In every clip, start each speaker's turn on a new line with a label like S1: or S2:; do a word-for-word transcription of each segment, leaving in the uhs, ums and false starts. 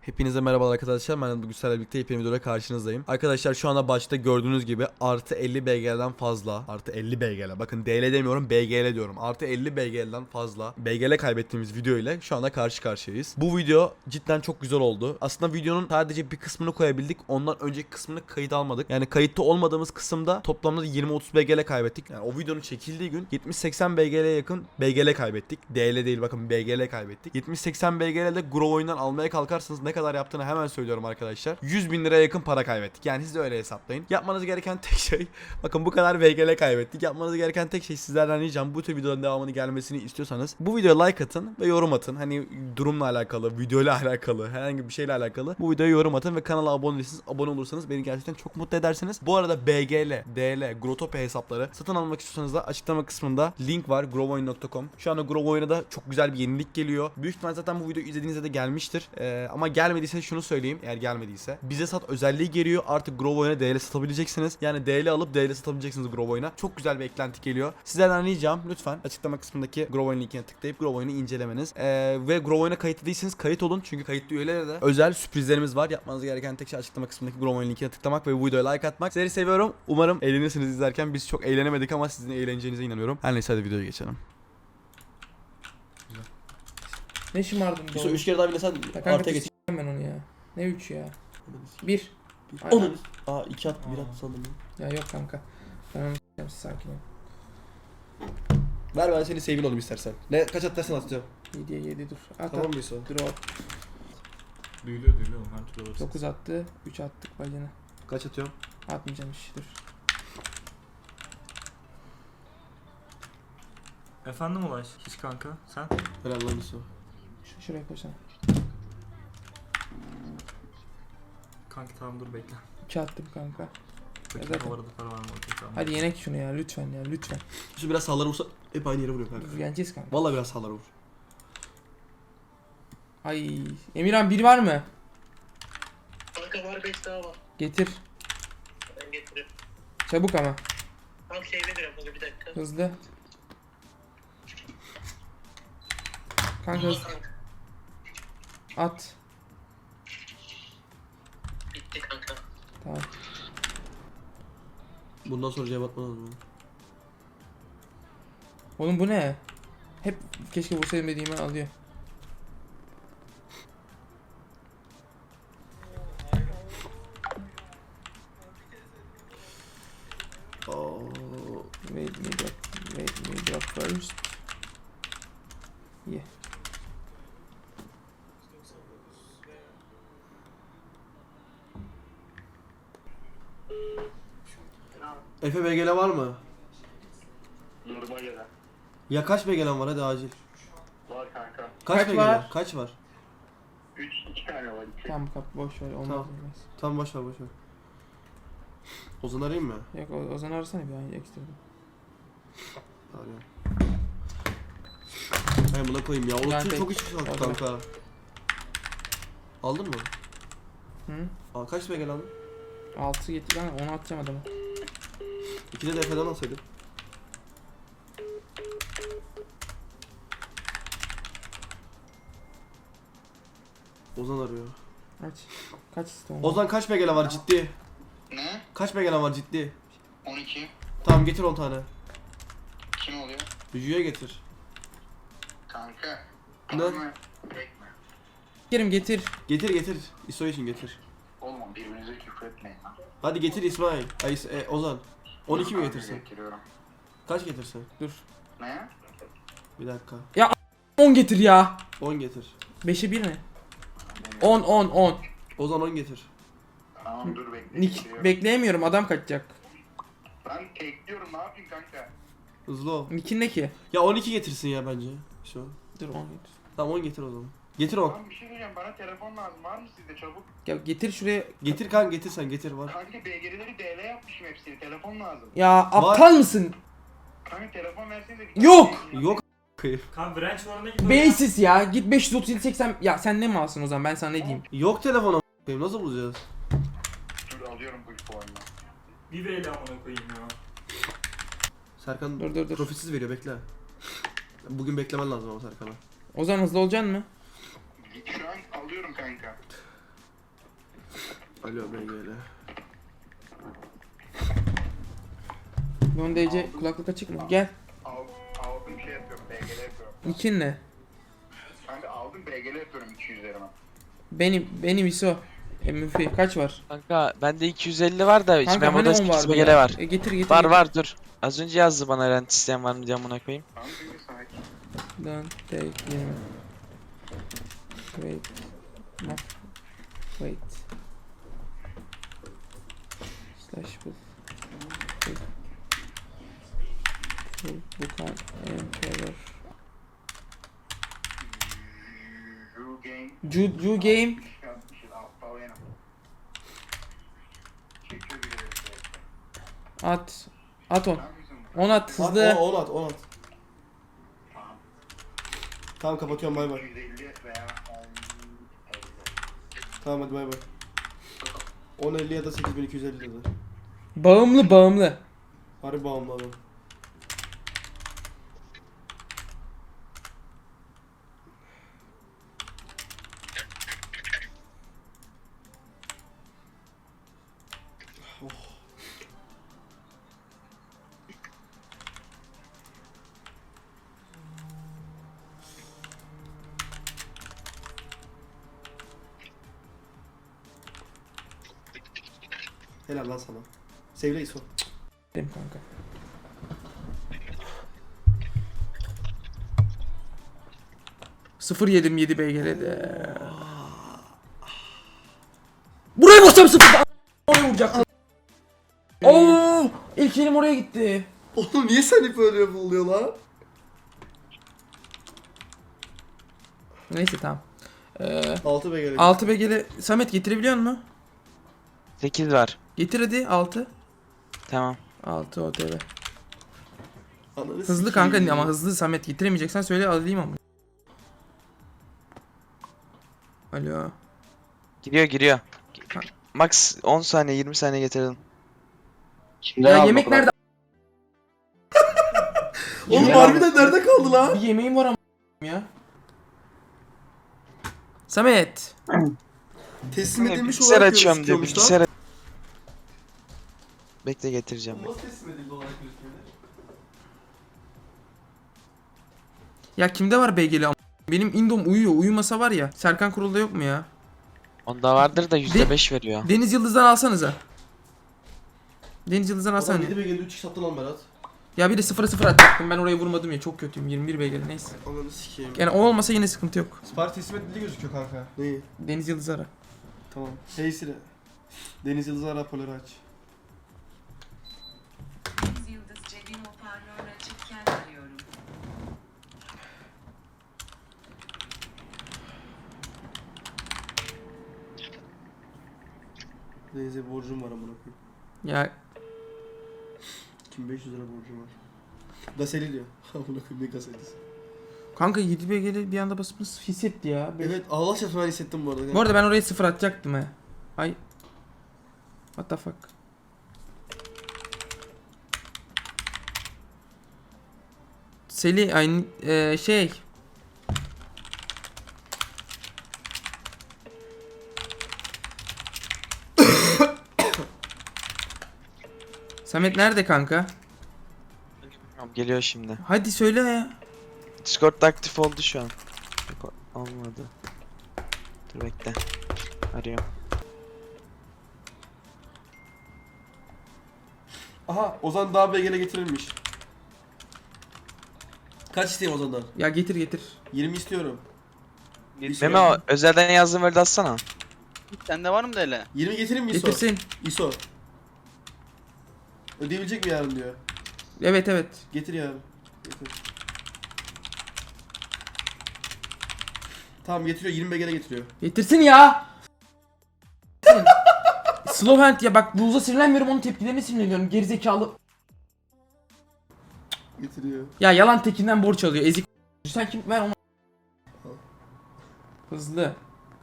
S1: Hepinize merhaba arkadaşlar, ben bugün sizlerle birlikte yepyeni videoda karşınızdayım. Arkadaşlar şu anda başta gördüğünüz gibi artı elli B G L'den fazla, artı elli B G L, bakın D L demiyorum B G L diyorum, artı elli B G L'den fazla B G L kaybettiğimiz video ile şu anda karşı karşıyayız. Bu video cidden çok güzel oldu. Aslında videonun sadece bir kısmını koyabildik, ondan önceki kısmını kayıt almadık. Yani kayıtta olmadığımız kısımda toplamda yirmi otuz B G L kaybettik. Yani o videonun çekildiği gün yetmiş seksen B G L'ye yakın B G L kaybettik. D L değil, bakın B G L kaybettik. yetmiş seksen B G L'de Grove oyundan almaya kalkarsanız ne kadar yaptığını hemen söylüyorum arkadaşlar. yüz bin liraya yakın para kaybettik. Yani siz de öyle hesaplayın. Yapmanız gereken tek şey, bakın bu kadar B G L kaybettik. Yapmanız gereken tek şey, sizlerden ricam bu tür videoların devamını gelmesini istiyorsanız bu videoya like atın ve yorum atın. Hani durumla alakalı, videoyla alakalı, herhangi bir şeyle alakalı bu videoya yorum atın ve kanala abone değilseniz abone olursanız beni gerçekten çok mutlu edersiniz. Bu arada B G L, D L, Growtopia hesapları satın almak istiyorsanız da açıklama kısmında link var, groveoyun nokta com. Şu anda Grove oyuna da çok güzel bir yenilik geliyor. Büyük ihtimal zaten bu videoyu izlediğinizde de gelmiştir. Ee, ama gelmediyse şunu söyleyeyim, eğer gelmediyse. Bize sat özelliği geliyor. Artık Grove oyuna D L satabileceksiniz. Yani D L alıp D L satabileceksiniz Grove oyuna. Çok güzel bir eklenti geliyor. Sizlerden ricam lütfen açıklama kısmındaki Grove oyun linkine tıklayıp Grove oyunu incelemeniz. Ee, ve Grove oyuna kayıtlı değilseniz kayıt olun. Çünkü kayıtlı üyelere de özel sürprizlerimiz var. Yapmanız gereken tek şey açıklama kısmındaki Grove oyun linkine tıklamak ve bu videoya like atmak. Sizleri seviyorum. Umarım eğlenirsiniz izlerken. Biz çok eğlenemedik ama sizin eğleneceğinize inanıyorum. Her neyse, hadi videoya geçelim.
S2: Ne şımardın
S1: Bir üç kere daha bile sen
S2: artıya geç. Ben onu ya. Ne üç ya? Bir.
S1: Onun. Aa iki at, bir at sandım.
S2: Ya yok kanka. Ben onu s**eyim, siz sakin ol.
S1: Ver, ben seni sevgili olayım istersen. Ne kaç at dersen atacağım.
S2: yediye yedi dur. At
S1: Tamam
S2: at.
S1: mıyız o?
S2: Drop.
S3: Duyuluyor duyuluyor her türlü olursa.
S2: dokuz attı. üç attık bacana.
S1: Kaç atıyorum?
S2: Atmayacağım hiç dur.
S3: Efendim Ulaş, hiç kanka sen?
S1: Helal lan Yusuf.
S2: Ş şuraya koysana.
S3: Kanki tamam dur bekle.
S2: iki attım kanka.
S3: Bakayım
S2: zaten-
S3: o arada para var mı? Okey tamam.
S2: Hadi yenek şunu ya lütfen ya lütfen.
S1: Şu biraz sağlara vursa hep aynı yere vuruyor kanka.
S2: Dur, yeneceğiz kanka.
S1: Vallahi biraz sağlara vur.
S2: Ay Emirhan bir var mı?
S4: Kanka var, beş daha var.
S2: Getir.
S4: Ben getiririm.
S2: Çabuk ama.
S4: Tam şeyde bir kanka, bir dakika.
S2: Hızlı. Kanka hız. At.
S4: Bitti kanka.
S2: Tamam.
S1: Bundan sonra cevap atma lazım.
S2: Oğlum bu ne? Hep keşke vursaydım dediğimi alıyor.
S1: Oo.
S2: Wait me drop, wait me drop first. Yeah.
S1: Efe B G L var mı?
S4: Normal gelen.
S1: Ya kaç B G L'm var, hadi acil.
S4: Var kanka.
S1: Kaç,
S2: Kaç
S1: B G L?
S2: var?
S1: Kaç var?
S4: üç, iki tane var. iki.
S2: Tamam kap boş ver olmaz
S1: Tamam.
S2: olmaz.
S1: Tamam, boş ver boş ver. Ozan arayayım mı?
S2: Yok o, Ozan arasana bir an ekstra.
S1: Arıyorum. Hayır, buna koyayım ya.
S2: Ben
S1: Oğlum
S2: pek-
S1: çok iş kaldı
S2: Orada.
S1: kanka. Aldın mı?
S2: Hı?
S1: Aa, kaç B G L aldın?
S2: altı getir ben onu atacağım adama.
S1: İkide de Efe'den alsaydın. Ozan arıyor.
S2: Aç. Kaç istiyorsun?
S1: Ozan kaç B G L var ciddi?
S4: Ne?
S1: Kaç B G L var ciddi?
S4: on iki.
S1: Tamam, getir on tane.
S4: Kim oluyor?
S1: Büyüye getir.
S4: Kanka.
S1: Ne?
S4: Ama bekme.
S2: Gerim getir.
S1: Getir getir. İso için getir.
S4: Oğlum birbirinize küfür etmeyin lan.
S1: Hadi getir İsmail. Ay e, Ozan. on iki mi
S4: Kanka,
S1: getirsin?
S4: Getiriyorum.
S1: Kaç getirsin?
S2: Dur.
S4: Ne?
S1: Bir dakika.
S2: on getir ya.
S1: on getir.
S2: beşe bir mi? on on on.
S1: Ozan on getir.
S4: Tamam dur bekle.
S2: Nick
S4: getiriyorum.
S2: bekleyemiyorum adam kaçacak.
S4: Ben tekliyorum, ne yapayım kanka?
S1: Hızlı ol.
S2: Nick'in ne ki?
S1: Ya on iki getirsin ya bence. Şu.
S2: Dur on getir.
S1: Tamam, on getir o zaman. Getir on.
S4: Tamam bir şey diyeceğim, bana telefon lazım, var mı sizde çabuk?
S2: Ya getir şuraya.
S1: Getir kanka, getir sen, getir var.
S4: Kanka B G L'leri D L yapmışım hepsini, telefon lazım.
S2: Ya aptal mısın?
S4: Kanka telefon versenize.
S2: Yok!
S1: Yok kayıp.
S3: Kan branch varına git.
S2: Beysiz ya. Git beş yüz otuz yedi seksen. Ya sen ne mi alsın o zaman ben sana ne diyeyim?
S1: Yok telefon a**ayım, nasıl bulacağız?
S4: Dur alıyorum bu puanını.
S3: Bir V L amına koyayım ya.
S1: Serkan
S2: Dur, dur, dur.
S1: profilsiz veriyor, bekle. Bugün beklemen lazım ama Serkan'a.
S2: Ozan hızlı olacaksın mı?
S4: Şu an alıyorum kanka.
S5: Alo B G L.
S2: Don D C kulaklık açık mı? Gel.
S4: Al, aldım şey yapıyorum. B G L yapıyorum.
S2: Nikin ne?
S4: Kanka aldım B G L yapıyorum iki yüzlerime.
S2: Benim benim I S O. M F kaç var?
S6: Kanka bende iki yüz elli var da
S2: Kanka
S6: memoda
S2: hani on
S6: sekiz
S2: vardı
S6: B G L
S2: ya?
S6: var.
S2: E, getir getir.
S6: Var
S2: getir.
S6: var dur. Az önce yazdı bana rent isteyen var mı diye amına koyayım.
S4: Tamam şimdi sakin.
S2: Don take yirmi. Wait. No. Wait. Slash bull. Bull. Bull. Bukan Emperor.
S4: Drew Game.
S2: Ju, Ju game.
S4: Yapmışız aptal benim. Çekiyor bile.
S2: At. At on.
S4: Sen misin bu?
S2: On at
S5: At,
S2: hızlı.
S5: on, on at, on at.
S4: Tamam.
S5: Tamam kapatıyorum bay bay.
S4: iki yüz elli veya on elli.
S5: Tamam hadi bay bay. on elli ya da sekiz bin iki yüz elli lira.
S2: Bağımlı bağımlı.
S5: Harbi bağımlı adam. Helal lan sana. Sevle İso.
S2: Benim kanka. Sıfır yedim yedi B G L'de. Buraya basacağım sıfır. Oraya vuracaktım. Oo, ilk elim oraya gitti.
S5: Oğlum niye sen hep öyle oluyor lan?
S2: Neyse tamam. Ee,
S5: altı B G L.
S2: altı B G L Samet getirebiliyor musun?
S6: sekiz var.
S2: Getir hadi altı.
S6: Tamam.
S2: altı O T V.
S5: Ananı
S2: Hızlı
S5: sikeyim.
S2: kanka ama hızlı Samet getiremeyeceksen söyle alayım ama. Alo.
S6: Giriyor giriyor.
S2: Ha.
S6: Max on saniye yirmi saniye getirdim.
S2: Ya yemek nerede?
S5: Oğlum
S2: Yemek-
S5: harbiden nerede kaldı lan?
S2: Bir yemeğim var ama ya. Samet.
S5: Teslim edilmiş
S6: Bilgisayar
S5: olarak
S6: açıyorum diyor
S5: gözüküyormuş lan.
S6: bilgisayar. Bekle getireceğim.
S5: Nasıl teslim edildi olarak gözüküyor?
S2: Ya kimde var B G L ama? Benim Indom uyuyor. Uyumasa var ya. Serkan Kurul'da yok mu ya?
S6: Onda vardır da yüzde beş veriyor.
S2: Deniz Yıldız'dan alsanıza. Deniz Yıldız'dan alsana.
S5: Adam yedi B G L'de üç x attı lan Berat.
S2: Ya bir de sıfıra sıfır atacaktım. Ben oraya vurmadım ya. Çok kötüyüm. yirmi bir B G L neyse.
S5: Ananı sikeyim.
S2: Yani o olmasa yine sıkıntı yok.
S1: Sipariş teslim edildi gözüküyor kanka.
S5: Neyi?
S2: Deniz Yıldız ara.
S5: Tamam. Hey Siri. Deniz Yıldız'ı ara raporları aç.
S7: Deniz Yıldız cebim hoparlör açıkken arıyorum.
S5: Deniz'e borcum var amına koyayım.
S2: Ya
S5: iki bin beş yüz lira borcum var. Gaseli diyor. Amına koyayım ne gaselisi.
S2: kanka yedi B G L bir anda basıp hissetti ya. Ben-
S5: Evet Allah şahsen ben hissettim bu arada.
S2: Bu arada ben oraya sıfır atacaktım he. Ay. What the fuck. Seli aynı eee, şey. Samet nerede kanka?
S6: Tamam, geliyor şimdi.
S2: Hadi söyle ya.
S6: Discord aktif oldu şu an. Yok, olmadı. Dur bekle. Arıyorum.
S5: Aha Ozan daha B G L getirilmiş. Kaç isteyeyim Ozan'dan?
S2: Ya getir getir.
S5: yirmi istiyorum.
S6: Memo özelden yazdığım öyle atsana.
S8: Sende var mı da öyle?
S5: yirmi getirin mi İso?
S2: Getirsin.
S5: İso. Ödeyebilecek mi yarın diyor.
S2: Evet evet.
S5: Getir yarın. Getir. Tamam getiriyor yirmi B G L getiriyor.
S2: Getirsin ya. Slow hand ya bak Bulls'a sinirlenmiyorum onun tepkilerine sinirleniyorum gerizekalı.
S5: Getiriyor.
S2: Ya yalan tekinden borç alıyor ezik. Sen kim ver onu. Hızlı.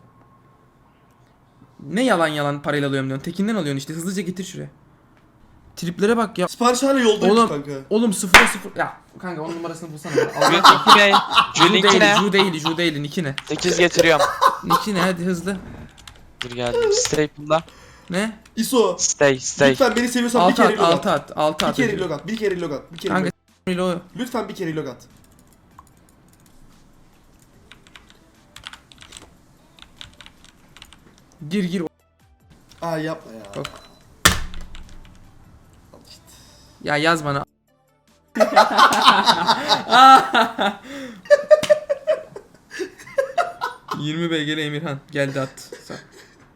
S2: Ne yalan yalan parayla alıyorum diyorsun. Tekinden alıyorsun işte. Hızlıca getir şuraya. Triplere bak ya.
S5: Sipariş hala yoldaymış
S2: Oğlum,
S5: kanka.
S2: Oğlum sıfıra sıfır. Ya kanka onun numarasını bulsana. Allah
S6: Julink'i ne?
S2: Ju
S6: Julink'i
S2: değil,
S6: ne?
S2: Ju değil, Ju değil. Niki ne?
S6: sekiz getiriyorum.
S2: Niki ne? Hadi hızlı.
S6: Dur geldim. Staple'da.
S2: Ne?
S5: İso.
S6: Stay stay.
S5: Lütfen beni seviyorsan bir
S2: Altı
S5: kere
S2: at,
S5: reload
S2: altı
S5: at.
S2: at, altı
S5: Bir
S2: at.
S5: kere reload at. Bir kere reload at. Bir kere
S2: Kanka
S5: reload.
S2: reload.
S5: Lütfen bir kere reload at.
S2: Gir gir.
S5: Aa yapma ya.
S2: Bak.
S5: Al işte.
S2: Ya yaz bana. yirmi B G L Emirhan geldi at.